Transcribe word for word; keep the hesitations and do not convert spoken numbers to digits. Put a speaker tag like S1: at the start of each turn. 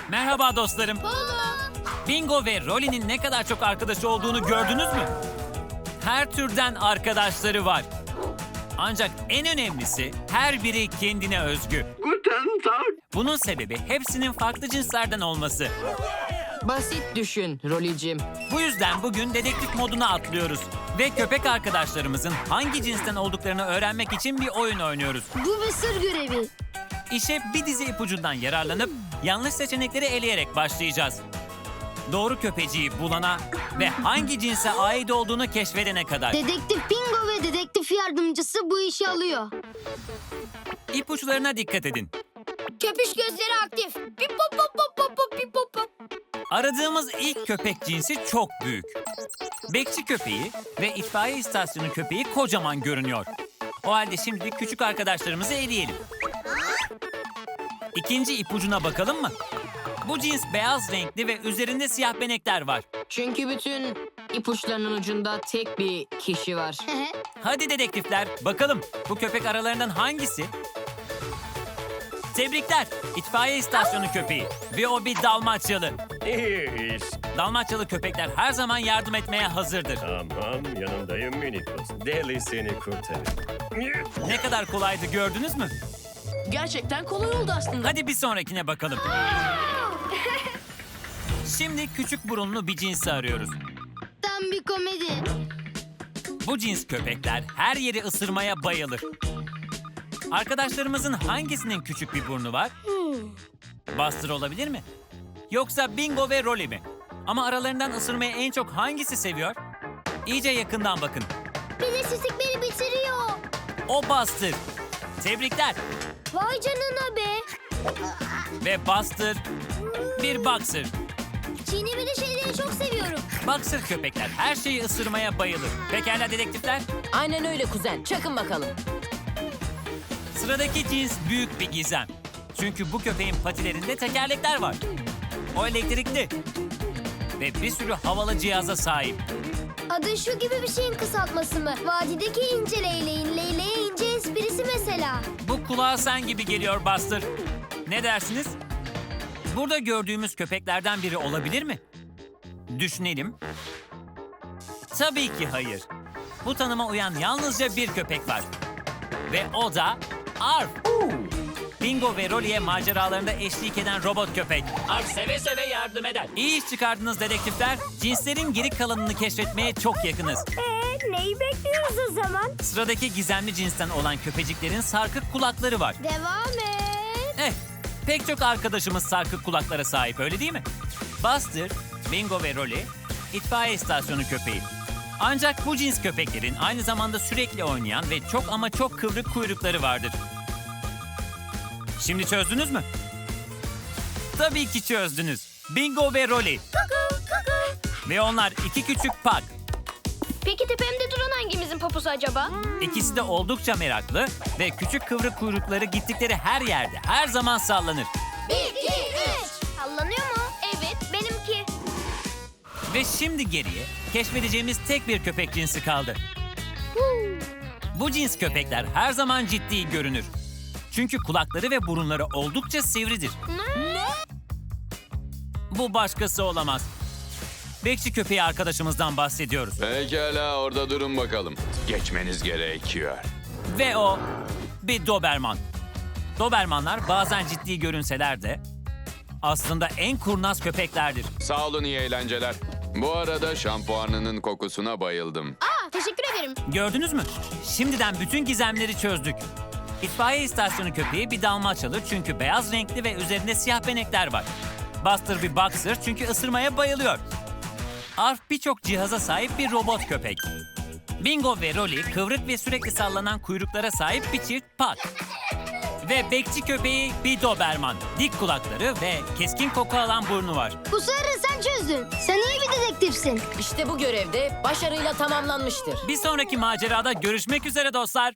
S1: Merhaba dostlarım. Bingo ve Rolly'nin ne kadar çok arkadaşı olduğunu gördünüz mü? Her türden arkadaşları var. Ancak en önemlisi her biri kendine özgü.
S2: Guten Tag.
S1: Bunun sebebi hepsinin farklı cinslerden olması.
S3: Basit düşün Rolly'cim.
S1: Bu yüzden bugün dedektif moduna atlıyoruz. Ve köpek arkadaşlarımızın hangi cinsten olduklarını öğrenmek için bir oyun oynuyoruz.
S4: Bu bir sır görevi.
S1: İşe bir dizi ipucundan yararlanıp yanlış seçenekleri eleyerek başlayacağız. Doğru köpeciyi bulana ve hangi cinse ait olduğunu keşfedene kadar.
S4: Dedektif Bingo ve dedektif yardımcısı bu işi alıyor.
S1: İpuçlarına dikkat edin.
S4: Köpüş gözleri aktif. Pip pop pop pop pop pop pip pop pop.
S1: Aradığımız ilk köpek cinsi çok büyük. Bekçi köpeği ve itfaiye istasyonu köpeği kocaman görünüyor. O halde şimdilik küçük arkadaşlarımızı eleyelim. İkinci ipucuna bakalım mı? Bu cins beyaz renkli ve üzerinde siyah benekler var.
S3: Çünkü bütün ipuçlarının ucunda tek bir kişi var.
S1: Hadi dedektifler, bakalım bu köpek aralarından hangisi? Tebrikler, itfaiye istasyonu köpeği ve o bir Dalmaçyalı.
S2: İyi iş.
S1: Dalmaçyalı köpekler her zaman yardım etmeye hazırdır.
S2: Tamam, yanındayım Minikos. Deli seni kurtarır.
S1: Ne kadar kolaydı gördünüz mü?
S3: Gerçekten kolay oldu aslında.
S1: Hadi bir sonrakine bakalım. Şimdi küçük burunlu bir cinsi arıyoruz.
S4: Tam bir komedi.
S1: Bu cins köpekler her yeri ısırmaya bayılır. Arkadaşlarımızın hangisinin küçük bir burnu var? Buster olabilir mi? Yoksa Bingo ve Rolly mi? Ama aralarından ısırmayı en çok hangisi seviyor? İyice yakından bakın.
S4: Bilinçsizlik beni bitiriyor.
S1: O Buster. Tebrikler.
S4: Vay canına be.
S1: Ve Buster bir boxer.
S4: Çiğnemeli şeyleri çok seviyorum.
S1: Boxer köpekler her şeyi ısırmaya bayılır. Pekala dedektifler.
S3: Aynen öyle kuzen. Çakın bakalım.
S1: Sıradaki cins büyük bir gizem. Çünkü bu köpeğin patilerinde tekerlekler var. O elektrikli. Ve bir sürü havalı cihaza sahip.
S4: Adı şu gibi bir şeyin kısaltması mı? Vadideki ince leyleğin leyleye ince esprisi mesela.
S1: Bu kulağa sen gibi geliyor Buster. Ne dersiniz? Burada gördüğümüz köpeklerden biri olabilir mi? Düşünelim. Tabii ki hayır. Bu tanıma uyan yalnızca bir köpek var. Ve o da Arf. Bingo ve Rolly'e maceralarında eşlik eden robot köpek. Arf seve seve yardım eder. İyi iş çıkardınız dedektifler. Cinslerin geri kalanını keşfetmeye çok yakınız.
S4: Ee, neyi bekliyoruz o zaman?
S1: Sıradaki gizemli cinsten olan köpeciklerin sarkık kulakları var.
S4: Devam et.
S1: Eh, pek çok arkadaşımız sarkık kulaklara sahip öyle değil mi? Buster, Bingo ve Rolly, itfaiye istasyonu köpeği. Ancak bu cins köpeklerin aynı zamanda sürekli oynayan ve çok ama çok kıvrık kuyrukları vardır. Şimdi çözdünüz mü? Tabii ki çözdünüz. Bingo ve Rolly. Ve onlar iki küçük pak.
S4: Peki tepemde duran hangimizin poposu acaba?
S1: İkisi de oldukça meraklı ve küçük kıvrık kuyrukları gittikleri her yerde her zaman sallanır.
S4: Bir, iki, üç. Sallanıyor mu? Evet, benimki.
S1: Ve şimdi geriye keşfedeceğimiz tek bir köpek cinsi kaldı. Bu cins köpekler her zaman ciddi görünür. Çünkü kulakları ve burunları oldukça sivridir.
S4: Ne?
S1: Bu başkası olamaz. Bekçi köpeği arkadaşımızdan bahsediyoruz.
S5: Pekala orada durun bakalım. Geçmeniz gerekiyor.
S1: Ve o bir Doberman. Dobermanlar bazen ciddi görünseler de aslında en kurnaz köpeklerdir.
S5: Sağ olun iyi eğlenceler. Bu arada şampuanının kokusuna bayıldım.
S4: Aa, teşekkür ederim.
S1: Gördünüz mü? Şimdiden bütün gizemleri çözdük. İtfaiye istasyonu köpeği bir Dalmaçyalı çünkü beyaz renkli ve üzerinde siyah benekler var. Buster bir boxer çünkü ısırmaya bayılıyor. Arf birçok cihaza sahip bir robot köpek. Bingo ve Rolly kıvrık ve sürekli sallanan kuyruklara sahip bir çift pak. Ve bekçi köpeği bir Doberman. Dik kulakları ve keskin koku alan burnu var.
S4: Bu sırrı sen çözdün. Sen iyi bir dedektifsin.
S3: İşte bu görevde başarıyla tamamlanmıştır.
S1: Bir sonraki macerada görüşmek üzere dostlar.